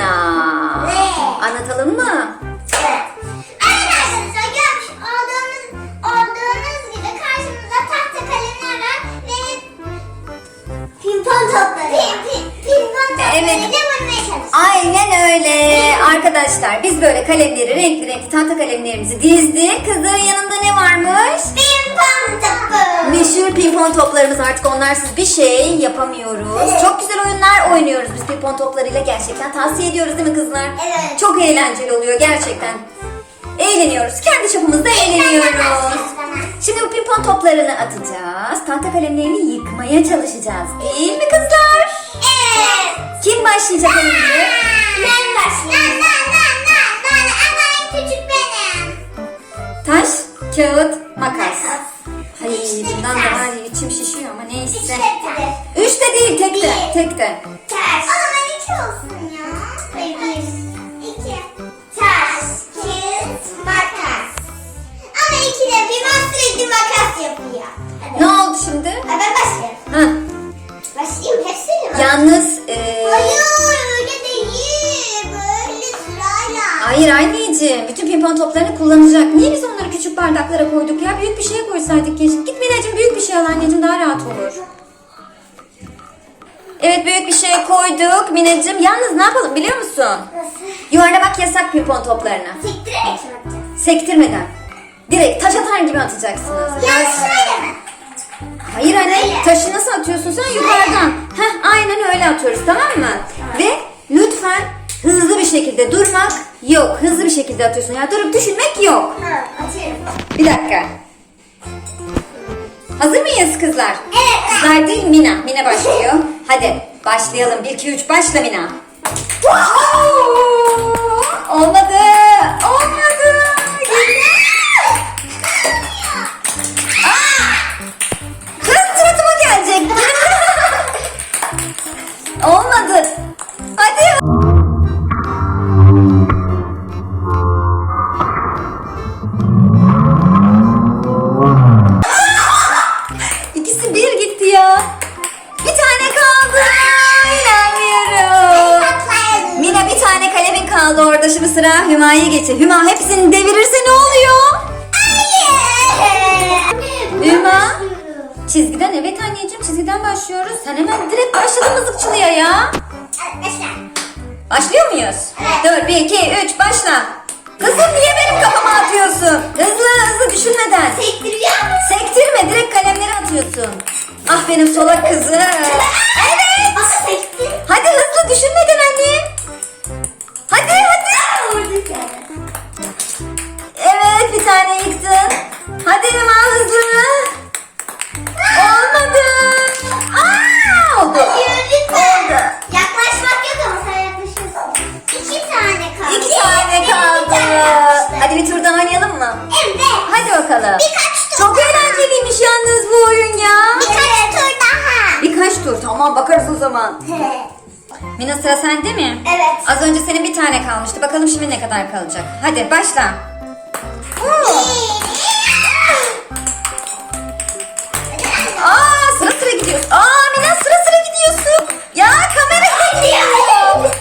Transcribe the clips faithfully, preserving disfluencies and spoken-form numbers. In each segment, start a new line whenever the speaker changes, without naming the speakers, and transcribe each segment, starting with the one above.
Mina?
Ne?
Anlatalım mı?
Evet. Evet arkadaşlar, görmüş olduğunuz, olduğunuz gibi karşımızda tahta kalemler var ve pimpon topları. Pim, pim, pimpon topları
Evet.
ile vurmaya çalışıyoruz.
Aynen öyle. Arkadaşlar biz böyle kalemleri, renkli renkli tahta kalemlerimizi dizdik. Kızların yanında ne varmış?
Pimpon topu.
Meşhur pimpon toplarımız, artık onlarsız bir şey yapamıyoruz. Çok güzel oyunlar oynuyoruz biz pimpon toplarıyla, gerçekten tavsiye ediyoruz değil mi kızlar?
Evet.
Çok eğlenceli oluyor gerçekten. Eğleniyoruz. Kendi çapımızda eğleniyoruz. Şimdi bu pimpon toplarını atacağız. Tahta kalemlerini yıkmaya çalışacağız. Değil mi kızlar?
Evet.
Kim başlayacak önce?
Ben başlayayım. Ben, ben, ben, ben, ben. Ama en küçük benim.
Taş, kağıt, makas.
Makas.
Ay
İşte
bundan
ters.
daha iyi, içim şişiyor ama neyse.
İşte ters.
Üç de değil, tek de.
Bir.
Tek de.
Ters. O zaman iki olsun ya. Hayır, bir, iki. Ters, kağıt, makas. Ama iki de bir ben sürekli makas yapıyor. Hadi.
Ne oldu şimdi?
Ha, ben başlayayım.
Ha,
Başlayayım, hepsini mi?
yalnız... e,
Hayır, öyle değil. Böyle sırayla.
Hayır anneciğim, bütün pimpon toplarını kullanacak. Niye biz onları küçük bardaklara koyduk ya? Büyük bir şeye koysaydık keşke. Git Mineciğim, büyük bir şey al anneciğim, daha rahat olur. Evet, büyük bir şeye koyduk Mineciğim. Yalnız ne yapalım biliyor musun?
Nasıl?
Yuvarlamak yasak pimpon toplarına.
Sektirerek mi yapacağız?
Sektirmeden. Direkt taş atar gibi atacaksınız.
Yani şöyle mi?
Hayır anne,
Öyle.
taşı nasıl atıyorsun sen? Yukarıdan. Heh, aynen öyle atıyoruz, tamam mı? Ve lütfen hızlı bir şekilde durmak yok. Hızlı bir şekilde atıyorsun. Ya durup düşünmek yok.
Ha, atıyorum.
Bir dakika. Hazır mıyız kızlar?
Evet.
Kızlar değil, Mina. Mina başlıyor. Hadi başlayalım. bir iki üç başla Mina. Olmadı. Olmadı. Aa! Kız suratıma gelecek. Olmadı. Hadi. İkisi bir gitti ya. Bir tane kaldı. İnanmıyorum. Mina, bir tane kalemin kaldı orada. Şimdi sıra Hüma'ya geçti. Hüma hepsini devirirse ne oluyor? Hüma. Çizgiden, evet anneciğim, çizgiden başlıyoruz. Sen hemen direkt başladın mızıkçılığa ya. Başlıyor muyuz?
Evet.
Dur, bir iki üç başla. Kızım niye benim kafama atıyorsun? Hızlı hızlı düşünmeden.
Sektiriyor musun?
Sektirme, direkt kalemleri atıyorsun. Ah benim solak kızım. Evet.
Ama sektir.
Hadi hızlı düşünmeden anne. Hadi hadi. Evet, bir tane yıktın. Hadi Hüma, hızlı. Olmadı. Aa, oldu. Oldu.
Yaklaşmak yok ama sen yaklaşıyorsun. İki tane kaldı.
İki tane
Benim
kaldı.
Bir tane kalmıştı.
Hadi bir tur daha oynayalım mı?
Evet.
Hadi bakalım.
Birkaç tur
Çok
daha.
eğlenceliymiş yalnız bu oyun ya.
Birkaç tur daha.
Birkaç tur, tamam, bakarız o zaman. Mina, sıra sende mi?
Evet.
Az önce senin bir tane kalmıştı. Bakalım şimdi ne kadar kalacak. Hadi başla. Oo. Aa, sıra sıra gidiyorsun. Aa Mina, sıra sıra gidiyorsun. Ya kamera gidiyor.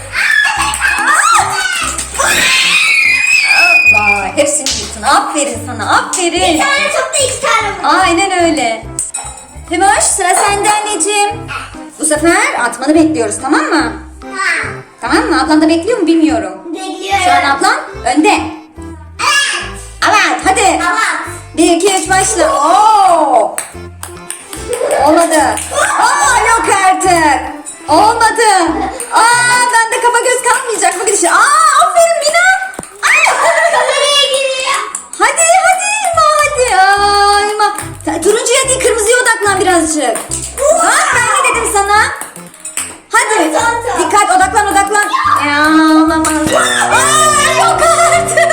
Vay, hepsini yıktın. Aferin sana, aferin.
Bir tane topla iki tane vur.
Aynen öyle. Hümoş, sıra sende anneciğim. Bu sefer atmanı bekliyoruz, tamam mı?
Ha.
Tamam mı? Ablan da bekliyor mu bilmiyorum.
Bekliyorum.
Şu an ablan önde.
Evet.
Evet, hadi.
Tamam.
Bir, iki, üç, başla. Oo. Olmadı. Aa, yok artık. Olmadı. Aa, bende kafa göz kalmayacak bu gidişe. Aa, aferin Mina.
Kameraya giriyor.
Hadi, hadi İlma, hadi. Aa, İlma. Ta- Turuncuya değil, kırmızıya odaklan birazcık. Ha, ben ne dedim sana? Hadi.
Tamam, tamam.
Dikkat, odaklan, odaklan. Ya, olamaz. Aa, yok artık.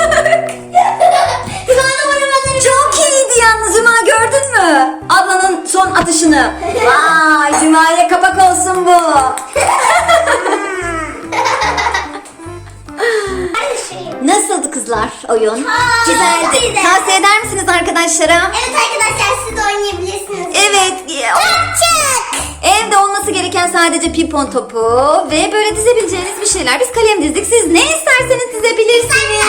Bana vurmadın.
Çok iyiydi yalnız Hüma, gördün mü? Ablanın son atışını. Vay, Hüma'ya kapak olsun bu. Nasıldı kızlar oyun?
Aa,
Güzeldi.
güzel.
Tavsiye eder misiniz arkadaşlara?
Evet arkadaşlar, siz de oynayabilirsiniz.
Evet.
Çık çık.
Evde olması gereken sadece pimpon topu ve böyle dizebileceğiniz bir şeyler. Biz kalem dizdik. Siz ne isterseniz dizebilirsiniz.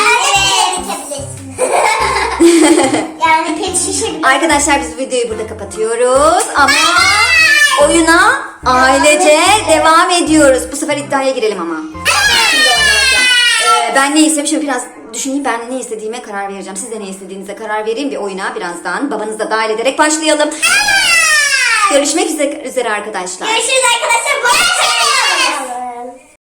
Yani pet şişe bile.
Arkadaşlar biz videoyu burada kapatıyoruz ama oyuna ailece devam ediyoruz. Bu sefer iddiaya girelim ama. Şimdi oynarken. Ee, ben ne istemişim biraz düşüneyim, ben ne istediğime karar vereceğim. Siz de ne istediğinize karar verin. Bir oyuna birazdan babanızı da dahil ederek başlayalım. Görüşmek üzere, üzere arkadaşlar.
Görüşürüz arkadaşlar. Bye.